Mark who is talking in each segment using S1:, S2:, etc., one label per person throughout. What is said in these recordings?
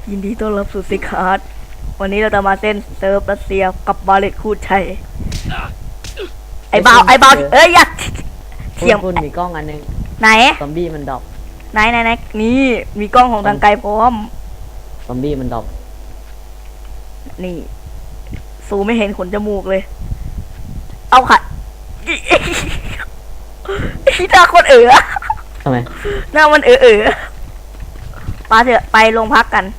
S1: ยินดีต้อนรับสู่ซิคาร์ดวันนี้เราจะมาเต้นเซิร์ฟรัสเซียกับบาเลตคูดชัยไอ้เบาเอ้ยอย่าเถียง
S2: คุณมีกล้องอันนึง
S1: ไหน
S2: ซอมบี้มันดรอป
S1: ไหนนี่มีกล้องของทางไกลพร้อม
S2: ซอมบี้มันดรอป
S1: นี่สูไม่เห็นขนจมูกเลย เอาค่ะที่หน้าคน
S2: ทำไม
S1: หน้ามันปาเถอะไปโรงพักกัน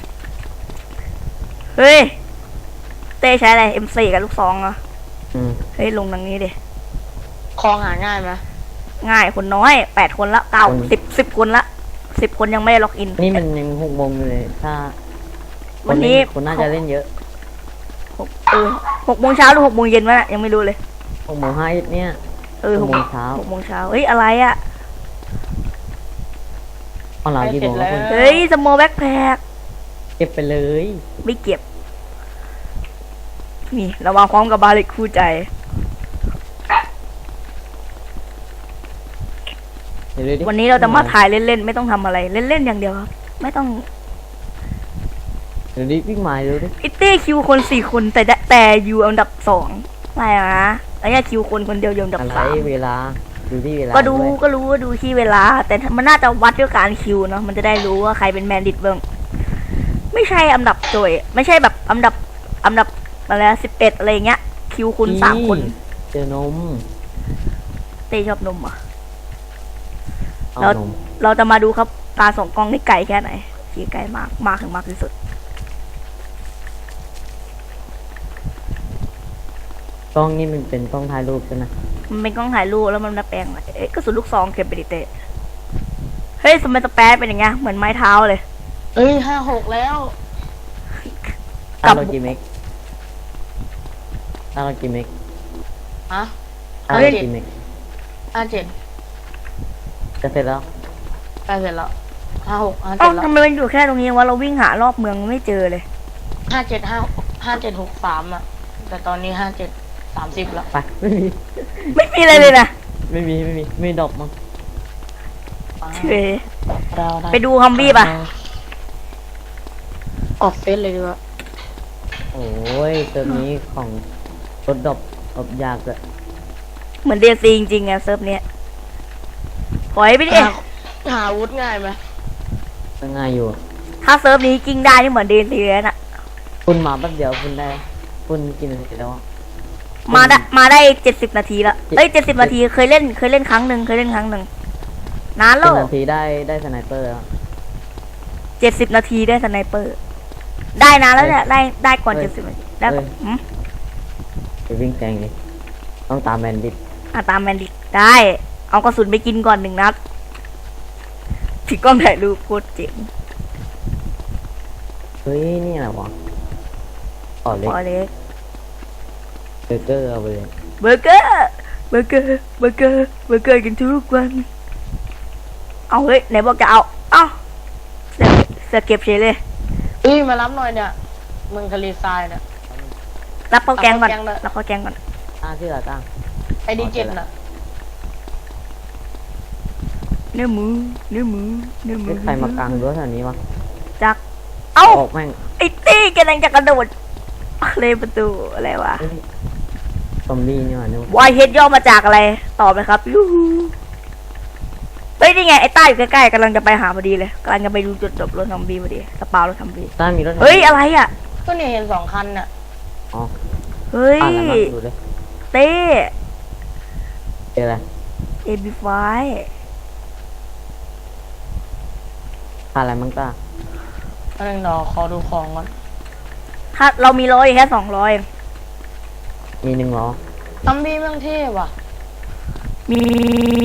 S1: เฮ้ยเต้ใช้อะไร M4 กับลูกซองอ่ะเฮ้ยลงทางนี้ดิ
S3: คลองหาง่ายไหม
S1: ง่ายคนน้อย8 คนละ10 คนละ10 คนยังไม่ได้ล็อกอิน
S2: นี่มันยัง6 โมงอยู่เลยถ้า
S1: วันนี้
S2: คนน่าจะเล่นเยอะ
S1: 6 โมงเช้าหรือ6 โมงเย็นวะยังไม่รู้เลย
S2: 6 โมง5เนี่ย
S1: 6 โมงเช้า6 โมงเช้าเฮ้ยอะไรอ่ะ
S2: ตอนเรากี่โมงแล้วคุณ
S1: เฮ้ยสโมแบ็คแพค
S2: เก็บไปเลย
S1: ไม่เก็บนี่เรามาพร้อมกับบาลิกคู่ใจ
S2: เดี๋ยวดูดิ
S1: วันนี้เราจะมาถ่ายเล่นๆไม่ต้องทำอะไรเล่นๆอย่างเดียวครับไม่ต้อง
S2: เดี๋ยวดิวิ่งมาดูดิ
S1: อิตตี้คิวคน4 คนแต่อยู่อันดับ2อะไรนะไอ้เนี่ยคิวคนเดียวอยู่อันดับ
S2: อะไร
S1: 3
S2: เวลาดูที่เวลา
S1: ก็รู้
S2: ด้วย
S1: ก็รู้ว่าดูที่เวลา แต่มันน่าจะวัดด้วยการคิวเนาะมันจะได้รู้ว่าใครเป็นแมนดิตเบิ้งไม่ใช่อันดับโจยไม่ใช่แบบอันดับอะไร11อะไรเงี้ยคิวคุณ3 คน
S2: เจอนม
S1: เต้ชอบนมอ่ะ
S2: เอานม
S1: เราจะมาดูครับตาสองกล้องนี่ไกลแค่ไหนที่ไกลมากถึงมากที่สุด
S2: กล้องนี่มันเป็นกล้องถ่ายรูปใช่ไหม
S1: มันเป็นกล้องถ่ายรูปแล้วมันมาแปลงอะไรก็สุดลูกซองเก็บไปดิเต้เฮ้ยสมัยสแปซเป็นอย่างเงี้ยเหมือนไม้เท้าเลย
S3: เอ้ย56แล้ว
S2: ตาเรากี่เมกตาเรากี่เมก
S3: ฮะ
S2: ตาเรากี่เมก
S3: 57
S2: จะเสร็จแล้ว
S3: ใกล้เสร็จแล้ว56
S1: เอ้า
S3: 57แล้ว
S1: ทำไมมันอยู่แค่ตรงนี้วะเราวิ่งหารอบเมืองไม่เจอเลย
S3: 5763อ่ะแต่ตอนนี้5730แล้ว
S2: ไปไม่มี
S1: ไม่มีอะไรเลยนะ
S2: ไม่ดรอปมั้ง
S1: เฉยไปดูฮัมบี้ป่ะ
S3: ออกเฟซเลยดีกว่า
S2: โอ้ยเติมนี้ของรถดรอปยากเลย
S1: เหมือนเดซีจริงๆไงเซิร์ฟเนี้ยปล่อยไปดิ
S3: หาอาวุธง่ายไหม
S2: ง่ายอยู่
S1: ถ้าเซิร์ฟนี้กิ้งได้นี่เหมือนเดซีเลยน่ะ
S2: คุณมาแป๊บเดียวคุณได้คุณกินอะไรแล้ว
S1: มาได้70 นาทีละเอ้ย70 นาทีเคยเล่นครั้งหนึ่งนานแล้
S2: กิ
S1: วน
S2: นาทีได้สไนเปอร์แล้ว
S1: 70 นาทีได้สไนเปอร์ ได้นานแล้วเนี่ยได้ก่อน70 นาทีได้ก่อน
S2: ไปวิ่งแซงดิต้องตามแมนดิต
S1: ตามแมนดิกได้ เอากระสุนไปกินก่อน1 นัดถือกล้องถ่ายรูปโคตรเจ๋ง
S2: เฮ้ยนี่อะไรวะอ๋อเล็ก
S1: พอเล็ก
S2: เบอร์เกอร์เอาไปเลย
S1: เบอร์เกอร์กินทุกวันเอาเฮ้ยไหนบอกจะเอาเอ้าเสือเก็บเฉยเลย
S3: เอ้ยมารับหน่อยเนี่ยเมืองทะเลทรายเนี่ย
S1: รับข้าวแกงก่อน
S3: รับข้าวแกงเลย
S2: ที่เหลือตั้ง
S3: ไอดีเจ็ดน่ะ
S1: เนื้อหมู
S2: ใครมากางรั้วแถวนี้วะ
S1: จักเอ้า
S2: ออกแม่ง
S1: ไอ้ตี้กำลังจะกระโดดเลยประตูอะไรวะ
S2: ซอมบี้นี่หว่านึก
S1: วายเฮดย่อมาจากอะไรตอบเลยครับยูฮูเฮ้ยนี่ไงไอ้ต้าอยู่ใกล้ๆกำลังจะไปหาพอดีเลยกำลังจะไปดูจุดจบรถทำบีพอดีสปารถทำบี
S2: ต้ามีรถ
S1: เฮ้ยอะไรอ่ะ
S3: ก็เนี่ยเห็น2 คันน่ะ
S2: อ๋อ
S1: เฮ้ย
S2: อะไรมาดูเลย
S1: เต้
S2: เจออะไร
S1: เอบีไฟ
S2: อะไรมั้งต้า
S3: ก็เลยรอขอดูของก่อน
S1: ถ้าเรามี100แค่200
S2: มี1 ล้อ
S3: ซัมบี้แม่งเท่ว่ะ
S1: มี